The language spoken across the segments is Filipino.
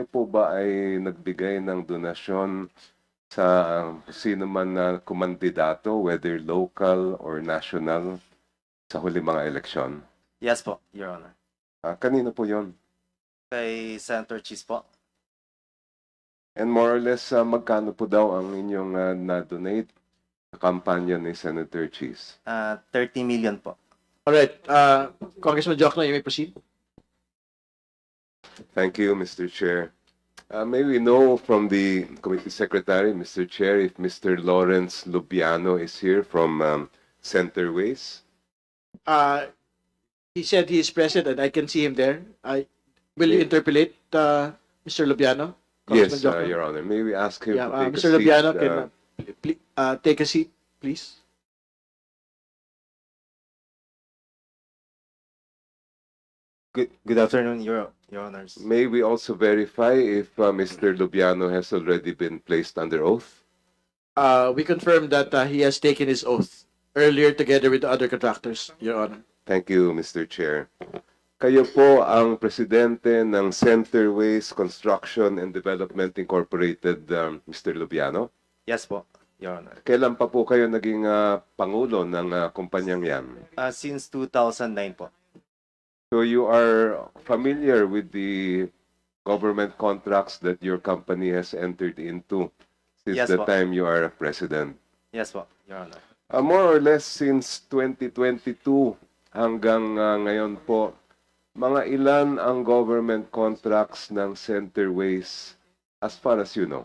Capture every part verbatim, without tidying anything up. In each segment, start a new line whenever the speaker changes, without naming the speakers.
po ba ay nagbigay ng donasyon sa um, sino man na kumandidato, whether local or national, sa huli mga eleksyon?
Yes po, Your Honor.
Ah, kanino po yon?
Kay Senator Cheese po.
And more or less, ah, magkano po daw ang inyong ah, na-donate sa kampanya ni Senator Cheese?
Uh, thirty million po.
All right, uh, Congressman Jokno, you may proceed.
Thank you, Mister Chair. Uh, may we know from the Committee Secretary, Mister Chair, if Mister Lawrence Lubiano is here from um, Centerways?
Uh, he said he is present and I can see him there. I will you
Yeah.
interpolate, uh, Mister Lubiano?
Yes,
Congressman
uh,
Jokno?
Your Honor. May we ask him
Yeah,
to
uh,
take
Mister
a seat?
Lubiano,
uh,
can uh, pl- uh, take a seat, please.
Good good afternoon, Your Your Honors.
May we also verify if uh, Mister Lubiano has already been placed under oath?
Uh, we confirm that uh, he has taken his oath earlier together with the other contractors, Your Honor.
Thank you, Mister Chair. Kayo po ang presidente ng Centerways Construction and Development Incorporated, um, Mister Lubiano.
Yes po, Your Honor.
Kailan pa po kayo naging ah, pangulo ng ah, kumpanyang yan?
Uh, since two thousand nine po.
So you are familiar with the government contracts that your company has entered into since
Yes
the
po.
time you are president?
Yes po, Your Honor.
Uh, more or less since twenty twenty-two hanggang ah, ngayon po, mga ilan ang government contracts ng Centerways as far as you know?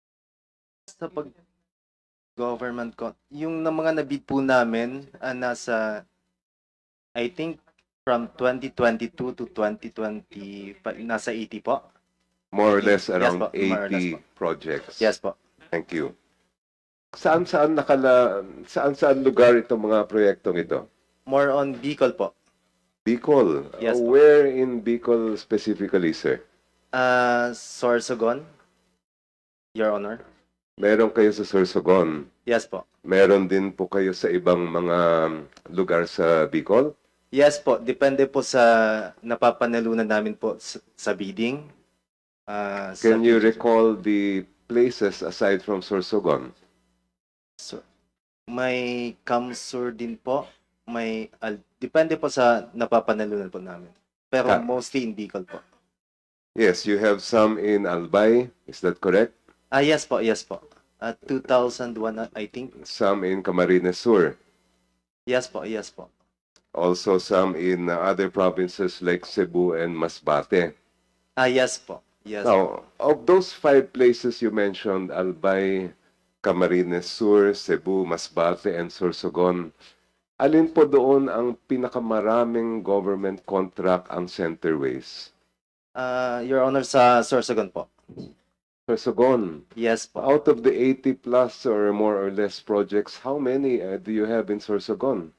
Sa pag government con yung na mga nabid po namin ah, nasa I think from twenty twenty-two to twenty twenty nasa eighty po.
More or
eighty.
less
Yes
around
po, more or less
eighty
po.
projects.
Yes po.
Thank you. Saan-saan nakala saan-saan lugar itong mga proyektong ito?
More on Bicol po.
Bicol.
Yes,
Uh,
po.
where in Bicol specifically, sir?
Uh, Sorsogon, Your Honor.
Meron kayo sa Sorsogon.
Yes po.
Meron din po kayo sa ibang mga lugar sa Bicol?
Yes po, depende po sa napapanalunan namin po sa, sa bidding. Ah, sa
Can you
bid-
recall the places aside from Sorsogon?
So, may Kamsur din po. May al- depende po sa napapanalunan po namin. Pero
Ah.
mostly in Bicol po.
Yes, you have some in Albay. Is that correct?
Ah, yes po, yes po. At two thousand one, ah, I think.
Some in Camarines Sur.
Yes po, yes po.
Also some in uh, other provinces like Cebu and Masbate.
Ah, yes po. Yes po.
Now, of those five places you mentioned, Albay, Camarines Sur, Cebu, Masbate, and Sorsogon, alin po doon ang pinakamaraming government contract ang Centerways?
Ah, Your Honor, sa Sorsogon po.
Sorsogon,
Yes po.
out of the eighty plus or more or less projects, how many uh, do you have in Sorsogon?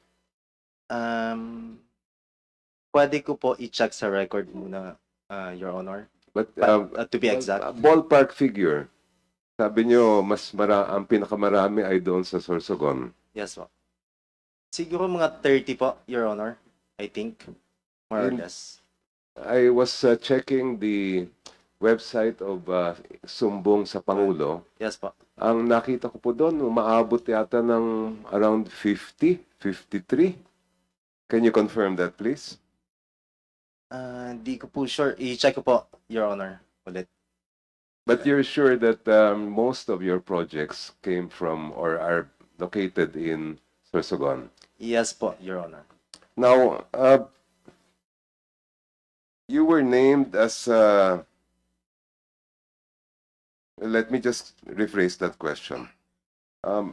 Um, pwede ko po i-check sa record muna, ah, Your Honor.
But
But,
um,
ah, to be exact.
a ballpark figure. Sabi nyo, mas mara ang pinakamarami ay doon sa Sorsogon.
Yes po. Siguro mga thirty po, Your Honor. I think. More or
In-
less.
I was uh, checking the website of uh, Sumbong sa Pangulo.
Yes po.
Ang nakita ko po doon, umaabot yata ng around fifty, fifty-three. Can you confirm that, please?
Ah, di ko po sure. I-check ko po, Your Honor. Ulit.
But you're sure that um, most of your projects came from or are located in Sorsogon?
Yes po, Your Honor.
Now, uh, you were named as, uh, let me just rephrase that question. Um,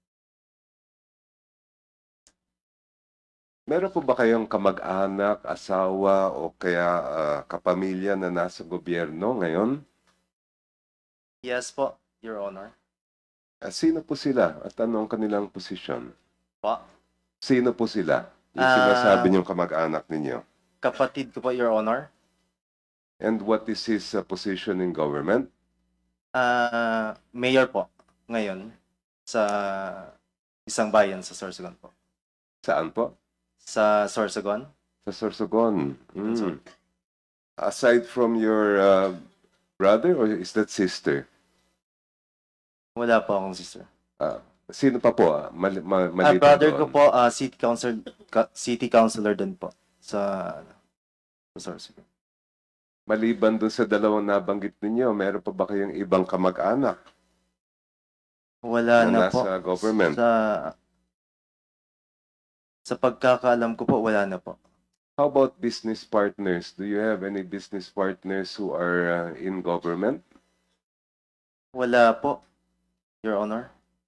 meron po ba kayong kamag-anak, asawa, o kaya uh, kapamilya na nasa gobyerno ngayon?
Yes po, Your Honor.
Uh, sino po sila at anong kanilang posisyon?
Po.
Sino po sila? Yung
Ah.
sinasabi niyong kamag-anak ninyo.
Kapatid ko po, Your Honor.
And what is his uh, position in government?
Ah, mayor po ngayon sa isang bayan sa Sorsogon po.
Saan po?
Sa Sorsogon?
Sa Sorsogon. Mm.
Sorry.
Aside from your uh, brother or is that sister?
Wala po akong sister.
Ah, sino pa po? Ah, mali, ma,
Ah,
maliban
brother
doon.
ko po, ah, city council, ka- city councilor din po sa sa Sorsogon.
Maliban doon sa dalawang nabanggit ninyo, meron pa ba kayong ibang kamag-anak
Wala
na
na po.
nasa government?
Sa sa pagkakaalam ko po, wala na po.
How about business partners? Do you have any business partners who are uh, in government?
Wala po, Your Honor.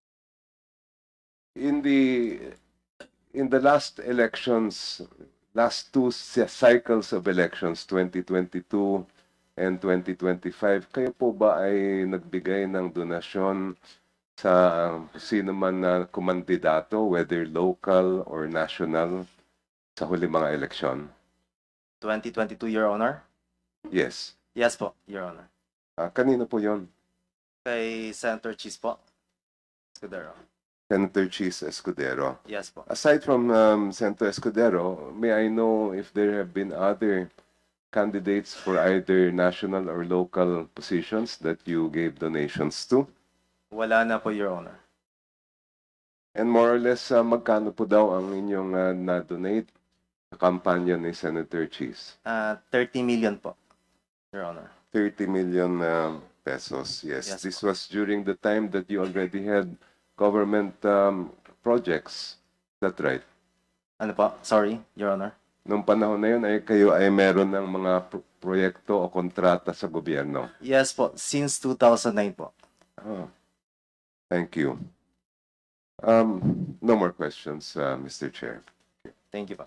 In the in the last elections, last two cy- cycles of elections, twenty twenty-two and twenty twenty-five, kayo po ba ay nagbigay ng donasyon sa um, sino man na kumandidato, whether local or national, sa huli mga eleksyon?
twenty twenty-two, Your Honor?
Yes.
Yes po, Your Honor.
Ah, kanino po yon?
Kay Senator Cheese po. Escudero.
Senator Cheese Escudero.
Yes po.
Aside from um, Senator Escudero, may I know if there have been other candidates for either national or local positions that you gave donations to?
Wala na po, Your Honor.
And more or less, uh, magkano po daw ang inyong uh, na-donate sa kampanya ni Senator Cheese?
Ah, thirty million po, Your Honor.
thirty million um, pesos, yes.
Yes,
This was during the time that you already had government um, projects. Is that right?
Ano po? Sorry, Your Honor.
Nung panahon na yun, ay kayo ay meron ng mga pro- proyekto o kontrata sa gobyerno.
Yes po, since two thousand nine po.
Oh, thank you. Um, no more questions, uh, Mister Chair.
Thank you po.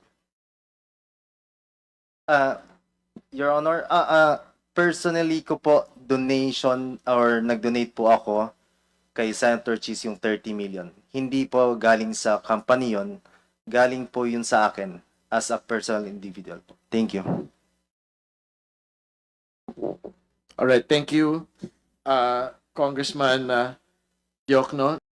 Ah, Your Honor, ah, ah, personally ko po donation or nag-donate po ako kay Senator Cheese yung thirty million. Hindi po galing sa company yon, galing po yun sa akin as a personal individual po. Thank you.
All right, thank you, uh, Congressman uh, Diokno.